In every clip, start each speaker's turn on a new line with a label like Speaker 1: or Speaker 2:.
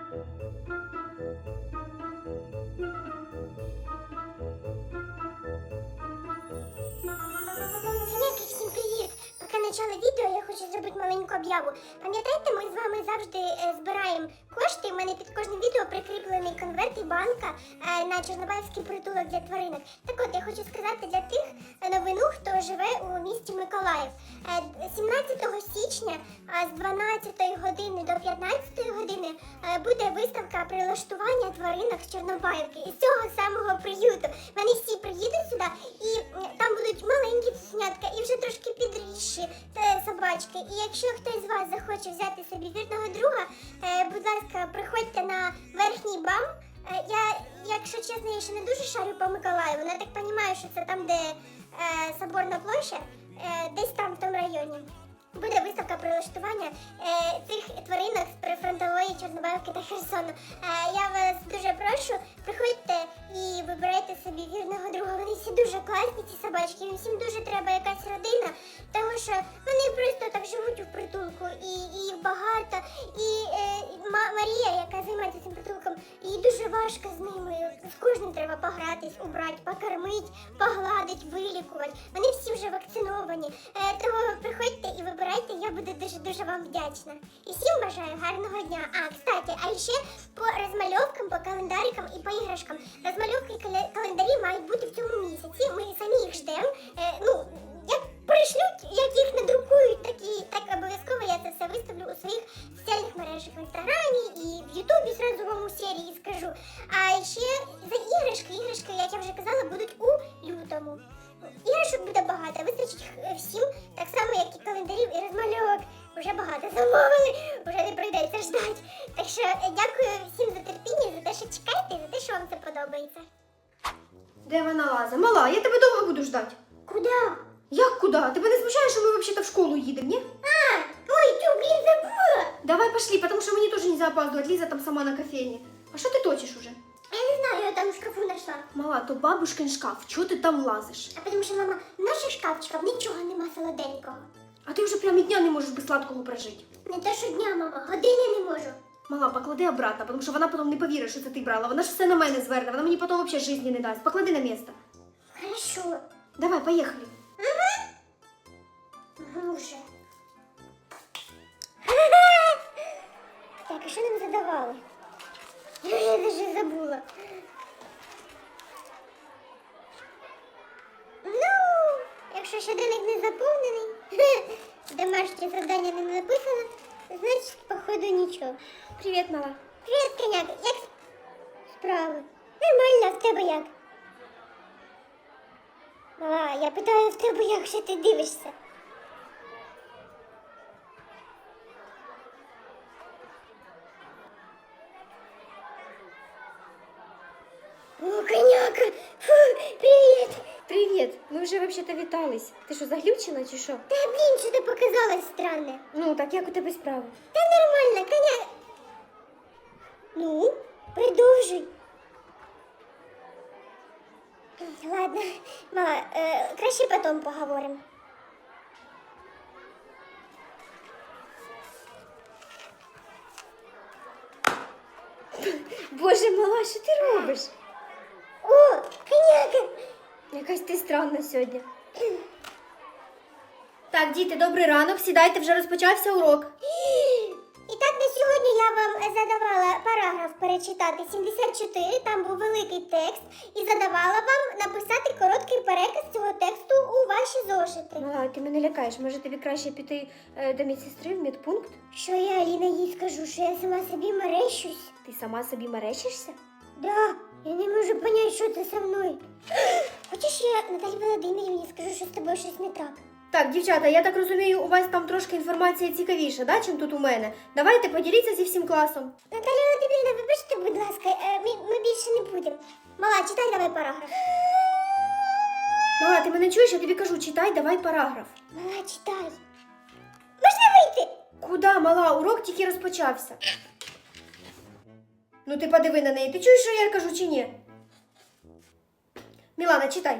Speaker 1: Коняки, всім привіт! Поки почала відео, я хочу зробити маленьку об'яву. Пам'ятаєте, ми з вами завжди збираємо кошти. У мене під кожним відео прикріплений конверт і банка на Чорнобаївський притулок для тваринок. Так от, я хочу сказати для тих новину, хто живе у місті Миколаїв. 17 січня з 12 години до 15 години буде виставка прилаштування тваринок з Чорнобаївки. Із цього самого приюту. Вони всі приїдуть сюди і там будуть маленькі цуценятка і вже трошки підрісші собачки. І якщо хтось з вас захоче взяти собі вірного друга, будь ласка, приходьте на верхній БАМ. Я, якщо чесно, я ще не дуже шарю по Миколаєву, але я так розумію, що це там, де Соборна площа, десь там в тому районі. Буде виставка прилаштування цих тваринок з прифронтової Чорнобаївки та Херсону. Я вас дуже прошу, приходьте і вибирайте собі вірного друга. Вони всі дуже класні, ці собачки, їм всім дуже треба якась родина, тому що вони просто так живуть у притулку, і їх багато. І Марія, яка займається цим притулком, їй дуже важко з ними. З кожним треба погратись, убрати, покормити, погладити, вилікувати. Вони всі вже вакциновані. Тому приходьте і вибирайте, я буду дуже-дуже вам вдячна. І всім бажаю гарного дня. Кстати, а ще по розмальовкам, по календарикам і по іграшкам. Розмальовки і календарі мають бути в цьому місяці. Ми самі їх ждемо. Як пришлють, як їх надрукують, так обов'язково я це все виставлю у своїх соціальних мережах в Інстаграмі і в Ютубі зразу вам у серії скажу. А ще за іграшки, як я вже казала, будуть у лютому. Іграшок буде багато, вистачить всім, так само, як і календарів і розмальовок. Уже багато замовили, вже не прийдеться ждати. Так що дякую всім за терпіння, за те, що чекаєте, і за те, що вам це подобається.
Speaker 2: Де вона лаза? Мала, я тебе довго буду ждати.
Speaker 1: Куди?
Speaker 2: Як куди? Тебе не смущає, що ми взагалі-то в школу їдемо, ні?
Speaker 1: Ой, блін, забула!
Speaker 2: Давай пошли, потому что мені теж нельзя опаздывать. Лиза там сама на кофейне. А що ти точиш уже?
Speaker 1: Я не знаю, я там в шкафу знайшла.
Speaker 2: Мала, то бабушкин шкаф. Чого ти там лазиш?
Speaker 1: А тому що, мама, в наших шкафчиках нічого нема солоденького.
Speaker 2: А ти вже прям і дня не можеш без сладкого прожити.
Speaker 1: Не те, що дня, мама, години не можу.
Speaker 2: Мала, поклади обратно, тому що вона потім не повірить, що це ти брала. Вона ж все на мене зверне, вона мені потім взагалі житті не дасть. Поклади на місце.
Speaker 1: Хорошо.
Speaker 2: Давай, поїхали.
Speaker 1: Уже. Так, а що нам задавали? Я даже забула. Якщо щоденник не заповнений, домашнє завдання не написано, значить, походу, нічого.
Speaker 2: Привіт, мала.
Speaker 1: Привіт, коняк. Як справи? Нормально, в тебе як? Мала, я питаю в тебе, як ще ти дивишся? О, коняка! Фу, привіт!
Speaker 2: Привіт. Ми вже взагалі-то вітались. Ти що, заглючила чи що?
Speaker 1: Та, блін, що ти показалось странне?
Speaker 2: Ну, так як у тебе справи?
Speaker 1: Та нормально, коняк. Ну, продовжуй. Ладно, мама, краще потім поговоримо.
Speaker 2: Боже, мала, що ти робиш?
Speaker 1: О, коняка!
Speaker 2: Якась ти странна сьогодні. Так, діти, добрий ранок. Сідайте, вже розпочався урок.
Speaker 1: І так, на сьогодні я вам задавала параграф перечитати 74, там був великий текст, і задавала вам написати короткий переказ цього тексту у ваші зошити.
Speaker 2: Мала, ти мене лякаєш. Може тобі краще піти до медсестри в медпункт?
Speaker 1: Що я, Аліна, їй скажу, що я сама собі мерещусь?
Speaker 2: Ти сама собі мерещишся?
Speaker 1: Да, я не можу понять, що це со мною. Хочеш, я Наталі Володимирівні скажу, що з тобою щось не так?
Speaker 2: Так, дівчата, я так розумію, у вас там трошки інформація цікавіша, да, чим тут у мене? Давайте поділіться зі всім класом.
Speaker 1: Наталя Володимирівна, вибачте, будь ласка, ми більше не будемо. Мала, читай давай параграф.
Speaker 2: Мала, ти мене чуєш? Я тобі кажу, читай, давай параграф.
Speaker 1: Мала, читай. Можна вийти?
Speaker 2: Куда, мала? Урок тільки розпочався. Ну ти подиви на неї. Ти чуєш, що я кажу, чи ні? Мілана, читай.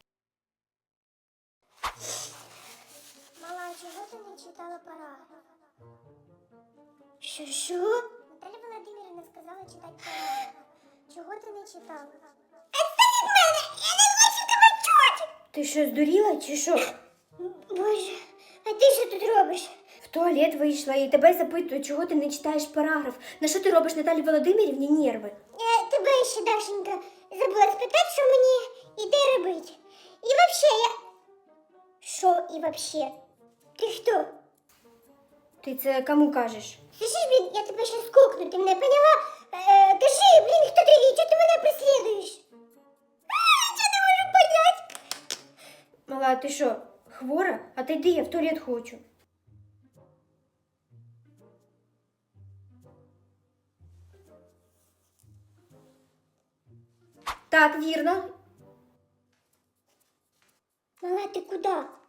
Speaker 1: Мала, чого ти не читала параграф? Що? Наталя Володимирівна, не сказала читати порядок. Чого ти не читала? Відстань від мене! Я не хочу тебе чути!
Speaker 2: Ти що, здуріла чи що?
Speaker 1: Боже, а ти що тут робиш?
Speaker 2: В туалет вийшла і тебе запитують, чого ти не читаєш параграф. На що ти робиш Наталі Володимирівні нерви?
Speaker 1: Я тебе ще, Дашенька, забула спитати, що мені іде робити. І вообще я... Що і вообще? Ти хто?
Speaker 2: Ти це кому кажеш?
Speaker 1: Слышиш, блін, я тебе ще скукну, ти мене поняла? Кажи, блін, хто ти і чого ти мене преслідуєш? Чого не можу понять?
Speaker 2: Мала, ти що, хвора? А ти йди, я в туалет хочу. Так, вірно.
Speaker 1: Мала, ти куди?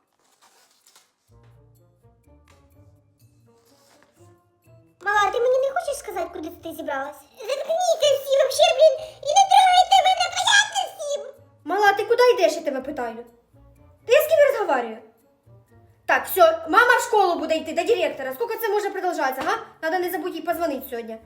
Speaker 1: Мала, ти мені не хочеш сказати, куди ти зібралась? Заткніться всі, вообще, блін, і не трогайте мене, понятно всім?
Speaker 2: Мала, ти куди йдеш, я тебе питаю? Та я з ким розмовляю? Так, все, мама в школу буде йти до директора. Скільки це може продовжатися, га? Надо не забудь їй позвонити сьогодні.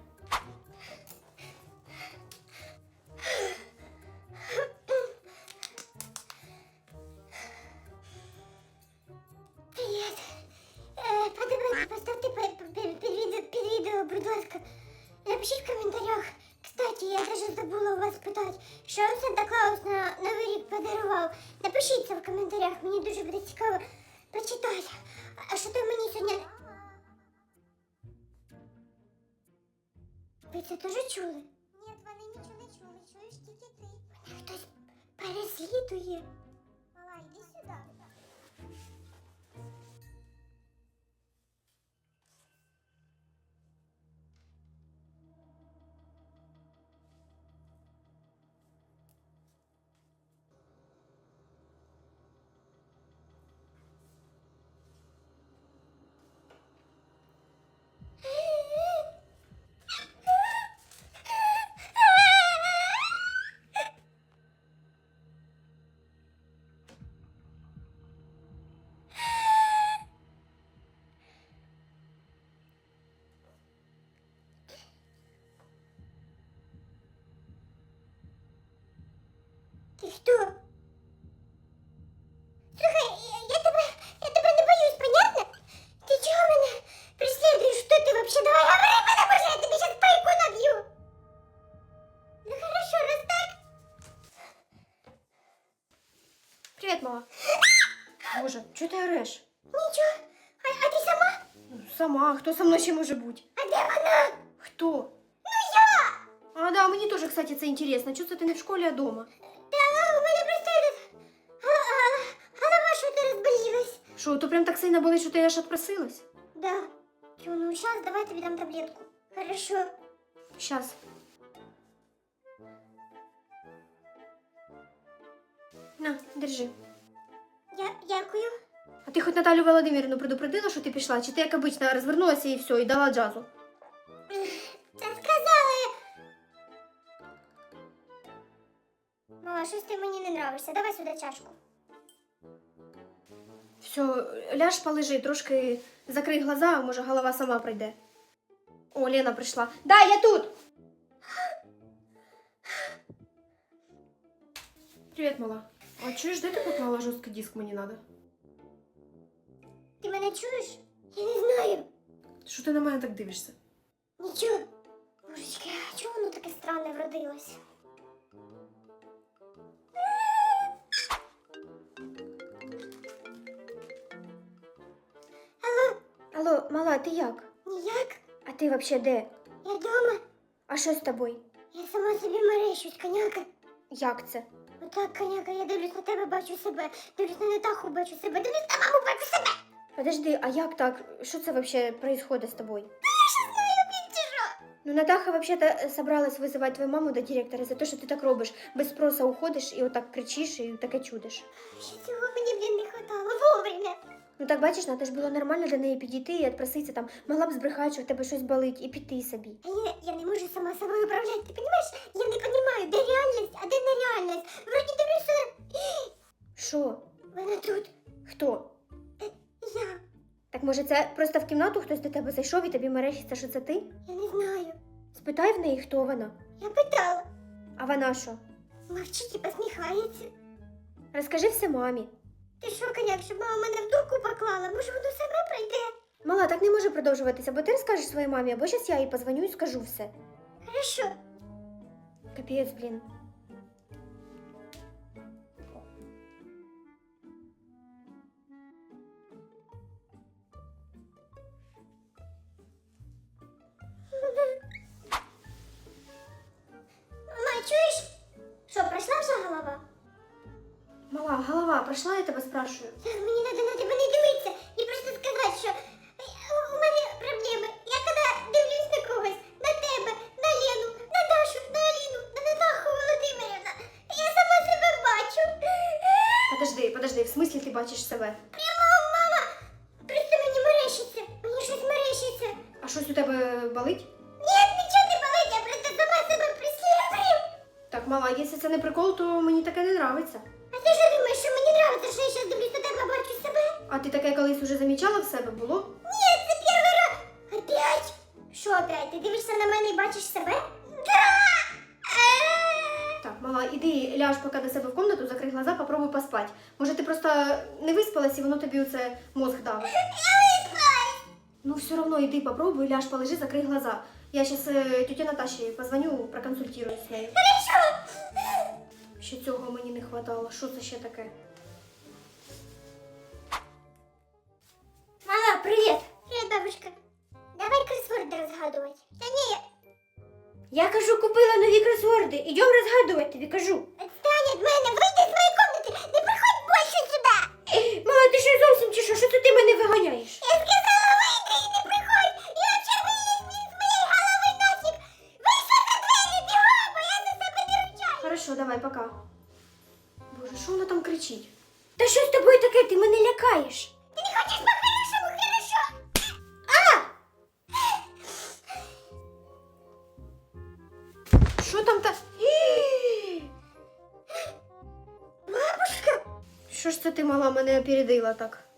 Speaker 1: Привіт. Подобайте, поставте під відео, будь ласка. Напишіть в коментарях. Кстати, я даже забула у вас питати, що вам Санта-Клаус на Новий рік подарував. Напишіть це в коментарях, мені дуже буде цікаво почитати. А що там мені сьогодні... Ви це теж чули? Ні, вони нічого не чули, чуєш тільки ти. Мене хтось переслідує. Мала, йди сюди. Ти хто? Слухай, я тебе не боюсь, понятно? Ти чого мене преслідуєш? Хто ти вообще? Давай говори, потому що я тобі сейчас пайку наб'ю. Ну хорошо, раз так.
Speaker 2: Привіт, мала. Боже, чого ти ореш?
Speaker 1: Нічого. А ти сама?
Speaker 2: Сама, хто со мною ще може бути?
Speaker 1: А де вона?
Speaker 2: Хто?
Speaker 1: Ну я!
Speaker 2: А, да, мені теж, кстати, це інтересно. Чого це ти не в школі, а дома?
Speaker 1: Та у мене просто этот... голова що-то розболілась.
Speaker 2: Що, то прям так сильно болить, що ти аж отпросилась?
Speaker 1: Да. Тю, ну сейчас давай тобі дам таблетку. Хорошо.
Speaker 2: Щас. На, держи.
Speaker 1: Дякую.
Speaker 2: А ти хоч Наталю Володимирівну предупредила, що ти пішла? Чи ти, як обично, розвернулася і все, і дала джазу?
Speaker 1: Та сказали. Мала, щось ти мені не нравишся. Давай сюди чашку.
Speaker 2: Все, ляж, полежи, трошки закрий глаза, а може голова сама прийде. О, Лена прийшла. Да, я тут! Привіт, мала. А чуєш, де ти поклала жорсткий диск, мені надо?
Speaker 1: Ти мене чуєш? Я не знаю.
Speaker 2: Що ти на мене так дивишся?
Speaker 1: Нічого. Божечки, а чого воно таке странне вродилось? Алло,
Speaker 2: Алло, мала, ти як?
Speaker 1: ніяк?
Speaker 2: А ти взагалі де?
Speaker 1: Я вдома.
Speaker 2: А що з тобою?
Speaker 1: Я сама собі мерещусь, коняка.
Speaker 2: Як це?
Speaker 1: Отак, коняка, я дивлюсь на тебе, бачу себе. Дивлюсь на Натаху, бачу себе. Дивлюсь на маму, бачу себе.
Speaker 2: Подожди, а як так? Що це взагалі происходит з тобою?
Speaker 1: Блін, чи що?
Speaker 2: Ну, Натаха вообще-то собралась вызывать твою маму до директора за те, що ти так робиш. Без спроса уходиш і отак кричиш і таке чудиш.
Speaker 1: Ще цього мені, блін, не хватало вовремя.
Speaker 2: Ну так бачиш, Ната ж було нормально до неї підійти і відпроситися там, могла б збрехати, що в тебе щось болить, і піти собі.
Speaker 1: А я не можу сама собою управляти, ти розумієш? Я не розумію, де реальність, а де нереальність. Вроді дивлюся.
Speaker 2: Що?
Speaker 1: Вона тут.
Speaker 2: Хто?
Speaker 1: Я.
Speaker 2: Так може це просто в кімнату хтось до тебе зайшов і тобі мерещиться, що це ти?
Speaker 1: Я не знаю.
Speaker 2: Спитай в неї, хто вона.
Speaker 1: Я питала.
Speaker 2: А вона що?
Speaker 1: Мовчить і посміхається.
Speaker 2: Розкажи все мамі.
Speaker 1: Ти що, коняк, щоб мама мене в дурку поклала? Може, воно саме пройде?
Speaker 2: Мала, так не може продовжуватися, бо ти розкажеш своїй мамі, або зараз я їй позвоню і скажу все.
Speaker 1: Хорошо.
Speaker 2: Капець, блін.
Speaker 1: Мама, чуєш? Що, пройшла вже голова?
Speaker 2: Мала, голова, пройшла, я тебе спрашую.
Speaker 1: Мені треба на тебе не дивитися і просто сказати, що у мене проблеми. Я коли дивлюсь на когось, на тебе, на Лену, на Дашу, на Аліну, на Натаху Володимирівна, я сама себе бачу.
Speaker 2: Подожди, в смислі ти бачиш себе?
Speaker 1: Прямо, мама, просто мені мерещиться, мені щось мерещиться.
Speaker 2: А щось у тебе болить?
Speaker 1: Ні, нічого не болить, я просто сама себе преслідую.
Speaker 2: Так, мала, якщо це не прикол, то мені таке не нравиться.
Speaker 1: А ти що думаєш, що мені подобається, що я зараз дивлюсь на тебе, бачу себе?
Speaker 2: А ти таке колись уже замічала в себе, було?
Speaker 1: Ні, це перший раз. Опять? Що опять? Ти дивишся на мене і бачиш себе? Да!
Speaker 2: Так, мала, іди ляж поки до себе в комнату, закрий глаза, попробуй поспати. Може ти просто не виспалась і воно тобі оце мозг дав.
Speaker 1: Я виспалась.
Speaker 2: Ну все одно іди попробуй, ляж, полежи, закрий глаза. Я зараз тете Наташі позвоню, проконсультируюсь з нею.
Speaker 1: Хорошо.
Speaker 2: Ще цього мені не хватало. Що це ще таке?
Speaker 1: Мама, привіт. Привіт, бабушка. Давай кросворди розгадувати. Та ні,
Speaker 2: Я кажу, купила нові кросворди. Ідем розгадувати, тобі кажу.
Speaker 1: відстань від мене, вийди з моєї кімнати, не приходь більше сюди.
Speaker 2: Мала, ти що зовсім чи що? Що це ти мене виганяєш?
Speaker 1: Я сказала, вийди і не приходь. І вообще вийди з моєї голови нафіг. Вийшли за двері, бігом, бо я за себе не ручаю.
Speaker 2: Хорошо, давай, пока. Боже, що вона там кричить? Та що з тобою таке? Ти мене лякаєш.
Speaker 1: Ти не хочеш по-хорошому, хорошо?
Speaker 2: Що там та...
Speaker 1: Бабушка.
Speaker 2: Що ж це ти, мала, мене опередила так?